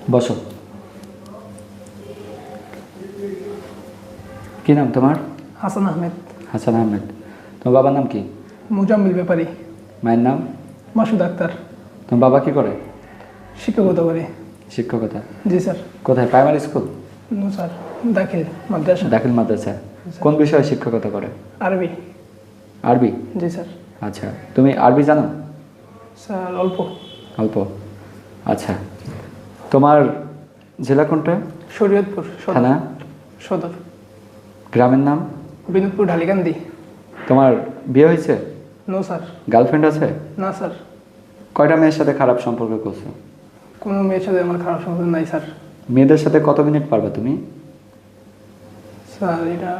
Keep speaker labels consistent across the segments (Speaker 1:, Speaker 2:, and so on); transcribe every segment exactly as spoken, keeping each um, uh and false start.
Speaker 1: বসো। কি নাম তোমার?
Speaker 2: হাসান আহমেদ।
Speaker 1: হাসান আহমেদ। তোমার বাবার নাম কি?
Speaker 2: মুজাম্মিল ব্যাপারী।
Speaker 1: মায়ের নাম?
Speaker 2: মাসুদ আক্তার।
Speaker 1: তোমার বাবা কি করে?
Speaker 2: শিক্ষকতা করে।
Speaker 1: শিক্ষকতা।
Speaker 2: জি স্যার।
Speaker 1: কোথায়? Primary school?
Speaker 2: নো স্যার, দাখিল মাদ্রাসা।
Speaker 1: দাখিল মাদ্রাসা। কোন বিষয়ে শিক্ষকতা করে?
Speaker 2: আরবি।
Speaker 1: আরবি?
Speaker 2: জি স্যার।
Speaker 1: আচ্ছা, তুমি আরবি জানো?
Speaker 2: স্যার অল্প।
Speaker 1: অল্প। আচ্ছা, তোমার জেলা কোনটা?
Speaker 2: শরীয়তপুর সদর।
Speaker 1: থানা?
Speaker 2: সদর।
Speaker 1: গ্রামের নাম?
Speaker 2: বিনোদপুর ঢালিকান্দি।
Speaker 1: তোমার বিয়ে হয়েছে?
Speaker 2: No sir.
Speaker 1: গার্লফ্রেন্ড আছে?
Speaker 2: না স্যার।
Speaker 1: কয়টা মেয়ের সাথে খারাপ সম্পর্ক করছো?
Speaker 2: কোনো মেয়ের সাথে আমার খারাপ সম্পর্ক নাই স্যার।
Speaker 1: মেয়েদের সাথে কত মিনিট পারবা তুমি?
Speaker 2: স্যার এটা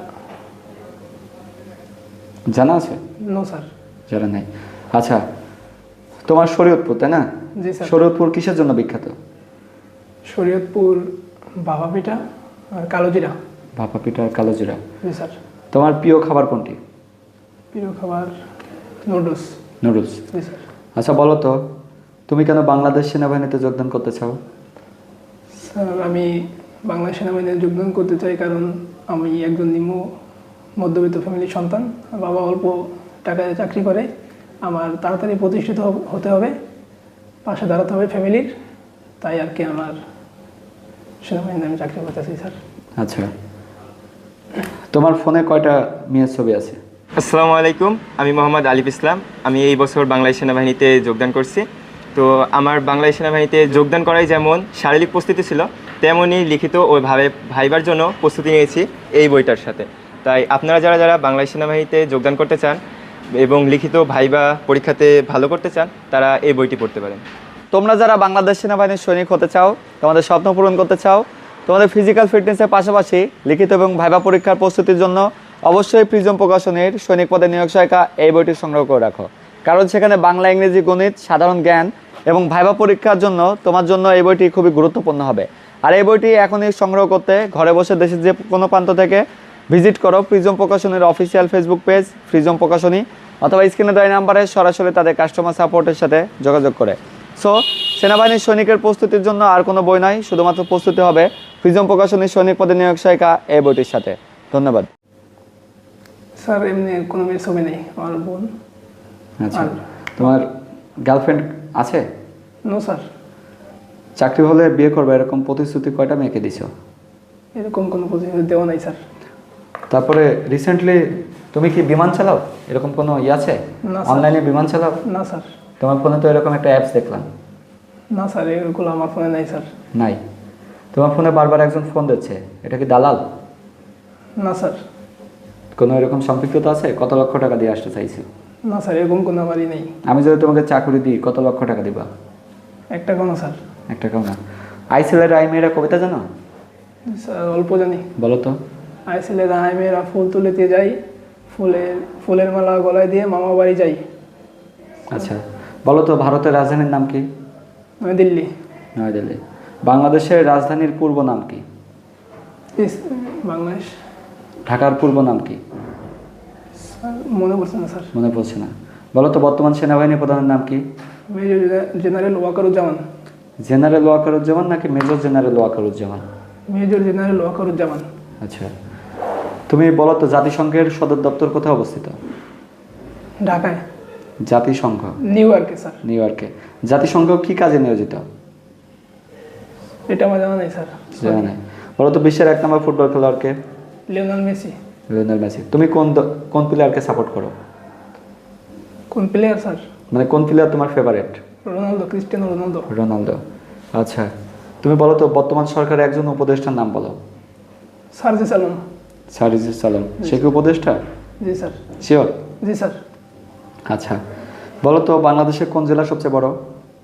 Speaker 1: জানা আছে?
Speaker 2: No sir.
Speaker 1: জানা নাই। আচ্ছা, তোমার শরীয়তপুর তাই না?
Speaker 2: জি স্যার।
Speaker 1: শরীয়তপুর কিসের জন্য বিখ্যাত?
Speaker 2: শরীয়তপুর ভাপা পিঠা আর কালো জিরা।
Speaker 1: ভাপা পিঠা আর কালো জিরা।
Speaker 2: জি স্যার।
Speaker 1: তোমার প্রিয় খাবার কোনটি?
Speaker 2: প্রিয় খাবার নুডলস।
Speaker 1: নুডলস।
Speaker 2: জি স্যার।
Speaker 1: আচ্ছা বলো তো, তুমি কেন বাংলাদেশ সেনাবাহিনীতে যোগদান করতে চাও?
Speaker 2: স্যার আমি বাংলা সেনাবাহিনীতে যোগদান করতে চাই কারণ আমি একজন নিম্ন মধ্যবিত্ত ফ্যামিলির সন্তান। বাবা অল্প টাকায় চাকরি করে, আমার তাড়াতাড়ি প্রতিষ্ঠিত হব- হতে হবে, পাশে দাঁড়াতে হবে ফ্যামিলির, তাই আর কি আমার সেনাবাহিনীতে আমি চাকরি করতে চাই স্যার।
Speaker 1: আচ্ছা, তোমার ফোনে কয়টা মেয়ের ছবি আছে?
Speaker 3: আসসালামু আলাইকুম, আমি মোহাম্মদ আলিফ ইসলাম। আমি এই বছর বাংলাদেশ সেনাবাহিনীতে যোগদান করছি। তো আমার বাংলাদেশ সেনাবাহিনীতে যোগদান করাই যেমন শারীরিক প্রস্তুতি ছিল, তেমনই লিখিত ও ভাবে ভাইবার জন্য প্রস্তুতি নিয়েছি এই বইটার সাথে। তাই আপনারা যারা যারা বাংলাদেশ সেনাবাহিনীতে যোগদান করতে চান এবং লিখিত ভাইবা পরীক্ষাতে ভালো করতে চান, তারা এই বইটি পড়তে পারেন।
Speaker 4: তোমরা যারা বাংলাদেশ সেনাবাহিনীর সৈনিক হতে চাও, তোমাদের স্বপ্ন পূরণ করতে চাও, তোমাদের ফিজিক্যাল ফিটনেসের পাশাপাশি লিখিত এবং ভাইবা পরীক্ষার প্রস্তুতির জন্য অবশ্যই প্রিজম প্রকাশনীর সৈনিক পদে নিয়োগ সহায়িকা এই বইটি সংগ্রহ করে রাখো। কারণ সেখানে বাংলা, ইংরেজি, গণিত, সাধারণ জ্ঞান এবং ভাইবা পরীক্ষার জন্য তোমার জন্য এই বইটি খুবই গুরুত্বপূর্ণ হবে। আর এই বইটি এখনই সংগ্রহ করতে ঘরে বসে দেশের যে কোনো প্রান্ত থেকে ভিজিট করো প্রিজম প্রকাশনীর অফিসিয়াল ফেসবুক পেজ প্রিজম প্রকাশনী, অথবা স্ক্রিনে দেওয়া নাম্বারে সরাসরি তাদের কাস্টমার সাপোর্টের সাথে যোগাযোগ করে। সো সেনাবাহিনীর সৈনিকের প্রস্তুতির জন্য আর কোনো বই নাই, শুধুমাত্র প্রস্তুতি হবে প্রিজম প্রকাশনীর সৈনিক পদে নিয়োগ সহায়িকা এই বইটির সাথে। ধন্যবাদ।
Speaker 2: স্যার এমনি কোনো মেয়ের ছবি নেই, আমার বোন।
Speaker 1: আচ্ছা,
Speaker 2: আর-
Speaker 1: তোমার গার্লফ্রেন্ড আছে?
Speaker 2: No sir.
Speaker 1: চাকরি হলে বিয়ে করবে এরকম প্রতিশ্রুতি কয়টা মেয়েকে দিছো?
Speaker 2: এরকম কোনো প্রতিশ্রুতি দেওয়া নাই স্যার।
Speaker 1: তারপরে রিসেন্টলি তুমি কি বিমান চালাও? এরকম কোনো ই আছে?
Speaker 2: না স্যার।
Speaker 1: অনলাইনে বিমান চালাও?
Speaker 2: না স্যার।
Speaker 1: তোমার ফোনে তো এরকম একটা অ্যাপস দেখলাম।
Speaker 2: না স্যার, এগুলো আমার ফোনে নাই স্যার।
Speaker 1: নাই? তোমার ফোনে বারবার একজন ফোন দিচ্ছে, এটা কি দালাল?
Speaker 2: না স্যার।
Speaker 1: কোনো এরকম সম্পৃক্ততা আছে? কত লক্ষ টাকা দিয়ে আসতে চাইছো?
Speaker 2: না স্যার, এরকম কোনো আমারই নেই।
Speaker 1: আমি যদি তোমাকে চাকরি দিই কত লক্ষ টাকা দিবা?
Speaker 2: একটা কোনো স্যার।
Speaker 1: এক টাকাও না। আইসিলের আই মেয়েরা কবিতা জানো?
Speaker 2: স্যার অল্প জানি।
Speaker 1: বলো তো।
Speaker 2: আইসিলে রায় মেয়েরা ফুল তুলিতে যাই, ফুলের ফুলের মালা গলায় দিয়ে মামা বাড়ি যাই।
Speaker 1: আচ্ছা, বলো তো ভারতের রাজধানীর নাম কি?
Speaker 2: দিল্লি।
Speaker 1: নয়াদিল্লি। বাংলাদেশের রাজধানীর পূর্ব নাম কি?
Speaker 2: ইস- বাংলাদেশ।
Speaker 1: ঢাকার পূর্ব নাম কি?
Speaker 2: স্যার মনে পড়ছে না স্যার।
Speaker 1: মনে পড়ছে না। বলো তো বর্তমান সেনাবাহিনী প্রধানের নাম কি?
Speaker 2: Major general Wakeruzzaman.
Speaker 1: General Wakeruzzaman নাকি major general Wakeruzzaman?
Speaker 2: Major general Wakeruzzaman.
Speaker 1: আচ্ছা, তুমি বলো তো জাতিসংঘের সদর দপ্তর কোথায় অবস্থিত?
Speaker 2: ঢাকায়।
Speaker 1: জাতিসংঘ
Speaker 2: নিউ ইয়র্কে স্যার।
Speaker 1: নিউ ইয়র্কে। জাতিসংঘ কি কাজে নিয়োজিত?
Speaker 2: এটা আমার জানা নেই স্যার।
Speaker 1: জানা নেই। বলো তো বিশ্বের এক নম্বর ফুটবল খেলোয়াড়কে?
Speaker 2: Lionel Messi.
Speaker 1: Lionel Messi. তুমি কোন দ- কোন প্লেয়ারকে সাপোর্ট করো?
Speaker 2: কোন প্লেয়ার স্যার?
Speaker 1: মানে কোন প্লেয়ার তোমার favourite?
Speaker 2: Ronaldo, Cristiano Ronaldo.
Speaker 1: Ronaldo. আচ্ছা, তুমি বলো তো বর্তমান সরকারের একজন উপদেষ্টার নাম বলো।
Speaker 2: সার্জিস আলম।
Speaker 1: সারিজুস সালাম। সে কি উপদেষ্টা?
Speaker 2: জি স্যার।
Speaker 1: শিওর?
Speaker 2: জি স্যার।
Speaker 1: আচ্ছা, বলো তো বাংলাদেশের কোন জেলা সবচেয়ে বড়?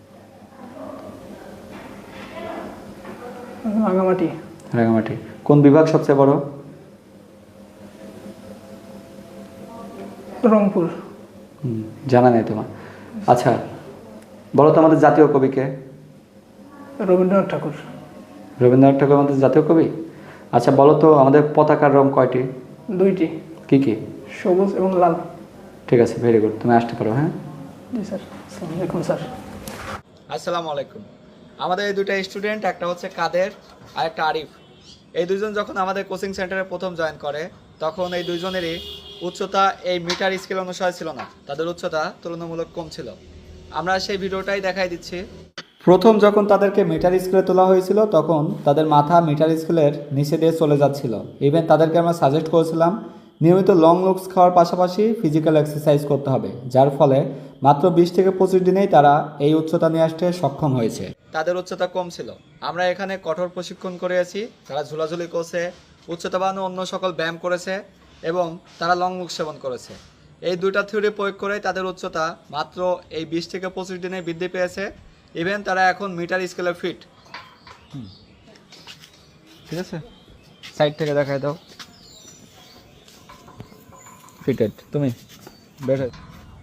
Speaker 2: রাঙামাটি।
Speaker 1: রাঙামাটি। কোন বিভাগ সবচেয়ে বড়?
Speaker 2: রংপুর।
Speaker 1: হুম, জানা নেই তোমার। আচ্ছা, বলো তো আমাদের জাতীয় কবিকে?
Speaker 2: রবীন্দ্রনাথ ঠাকুর।
Speaker 1: রবীন্দ্রনাথ ঠাকুর আমাদের জাতীয় কবি। আচ্ছা, বলো তো আমাদের পতাকার রং কয়টি?
Speaker 2: দুইটি,
Speaker 1: কি কি?
Speaker 2: সবুজ এবং লাল।
Speaker 1: ঠিক আছে, ভেরি গুড। তুমি আসতে পারো। হ্যাঁ,
Speaker 2: জি স্যার। আসসালামু আলাইকুম স্যার।
Speaker 4: আসসালামু আলাইকুম। আমাদের এই দুটো স্টুডেন্ট, একটা হচ্ছে কাদের আর একটা আরিফ। এই দুজন যখন আমাদের কোচিং সেন্টারে প্রথম জয়েন করে তখন এই দুইজনেরই উচ্চতা এই মিটার স্কেল অনুসারে ছিল না, তাদের উচ্চতা তুলনামূলক কম ছিল। আমরা সেই ভিডিওটাই দেখাই দিচ্ছি। প্রথম যখন তাদেরকে মিটার স্কেলে তোলা হয়েছিল তখন তাদের মাথা মিটার স্কেলের নিচে দিয়ে চলে যাচ্ছিল। ইভেন তাদেরকে আমরা সাজেস্ট করেছিলাম নিয়মিত লং লুকস খাওয়ার পাশাপাশি ফিজিক্যাল এক্সারসাইজ করতে হবে, যার ফলে মাত্র বিশ থেকে পঁচিশ দিনেই তারা এই উচ্চতা নিয়ে আসতে সক্ষম হয়েছে। তাদের উচ্চতা কম ছিল। আমরা এখানে কঠোর প্রশিক্ষণ করিয়েছি, তারা ঝুলাঝুলি করছে, উচ্চতা বাড়ানো অন্য সকল ব্যায়াম করেছে এবং তারা লং লুক সেবন করেছে। এই দুইটা থিওরি প্রয়োগ করে তাদের উচ্চতা মাত্র এই বিশ থেকে পঁচিশ দিনে বৃদ্ধি পেয়েছে। ইভেন তারা এখন মিটার স্কেলে ফিট। ঠিক আছে, সাইড থেকে দেখাই দাও। ফিটেড তুমি বের হয়ে।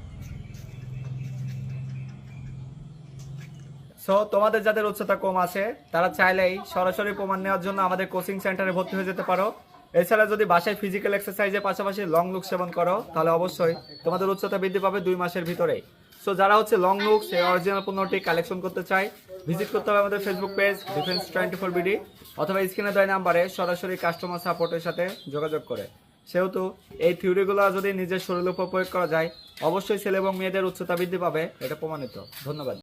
Speaker 4: সো তোমাদের যাদের উচ্চতা কম আছে তারা চাইলেই সরাসরি প্রমাণ নেওয়ার জন্য আমাদের কোচিং সেন্টারে ভর্তি হয়ে যেতে পারো। এছাড়া যদি বাসায় ফিজিক্যাল এক্সারসাইজের পাশাপাশি লং লুক সেবন করো তাহলে অবশ্যই তোমাদের উচ্চতা বৃদ্ধি পাবে দুই মাসের ভিতরেই। সো যারা হচ্ছে লং লুক সেই অরিজিনাল পণ্যটি কালেকশন করতে চায় ভিজিট করতে হবে আমাদের Facebook page defence twenty four BD অথবা স্ক্রিনে দেওয়া নাম্বারে সরাসরি কাস্টমার সাপোর্টের সাথে যোগাযোগ করে। সেহেতু এই থিওরিগুলো যদি নিজের শরীরের উপর প্রয়োগ করা যায় অবশ্যই ছেলে এবং মেয়েদের উচ্চতা বৃদ্ধি পাবে, এটা প্রমাণিত। ধন্যবাদ।